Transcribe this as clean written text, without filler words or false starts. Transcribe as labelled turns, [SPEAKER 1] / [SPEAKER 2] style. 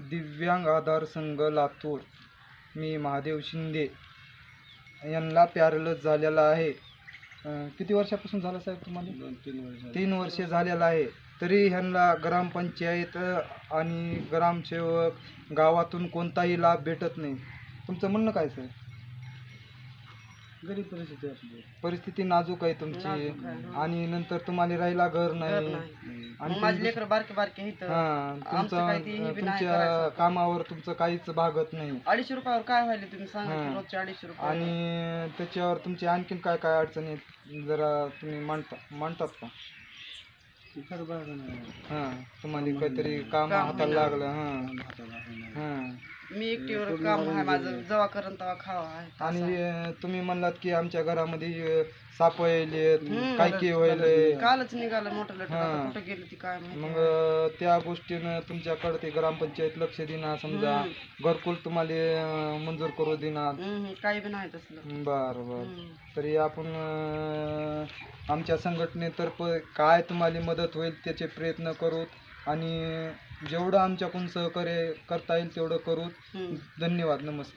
[SPEAKER 1] दिव्यांग आधार संघ लातूर, मी महादेव शिंदे यांना पॅरालिस झालेला आहे. किती वर्षापासून झालं साहेब तुम्हाला? 3 वर्षे झालेलं आहे. तरी ह्यांना ग्रामपंचायत आणि ग्रामसेवक गावातून कोणताही लाभ भेटत नाही. तुमचं म्हणणं काय सर?
[SPEAKER 2] गरीब परिस्थिती असली,
[SPEAKER 1] परिस्थिती नाजूक आहे तुमची आणि नंतर तुम्हाला राहायला घर नाही आणि
[SPEAKER 3] माझे लेकर बारके बारके इथं
[SPEAKER 1] तुमच्या कामावर तुमचं काहीच भागत नाही.
[SPEAKER 3] 250 रुपयावर काय व्हायला तुम्ही सांगा की रोजचे 250 रुपये.
[SPEAKER 1] आणि त्याच्यावर तुमची आणखीन काय काय अडचणी आहेत जरा तुम्ही मांडतात का? तुम्हाला काहीतरी काम हाताला लागलं.
[SPEAKER 3] मी एकटीवर काम आहे माझं, जेव्हा करण तेव्हा खावा आहे.
[SPEAKER 1] आणि तुम्ही म्हणलात की आमच्या घरामध्ये साप येलेत, काय व्हायलंय,
[SPEAKER 3] कालच निघालं मोठं लटकन, कुठं गेली ती काय माहिती.
[SPEAKER 1] मग त्या गोष्टीनं तुमच्याकडे ते ग्रामपंचायत लक्ष देणार, समजा घरकुल तुम्हाला मंजूर करू देणार,
[SPEAKER 3] काही बी नाही तसलं.
[SPEAKER 1] बरं. तरी आपण आमच्या संघटनेतर्फे काय तुम्हाला मदत होईल त्याचे प्रयत्न करू आणि जेवढं आमच्याकडून सहकार्य करता येईल तेवढं करू. धन्यवाद. नमस्कार.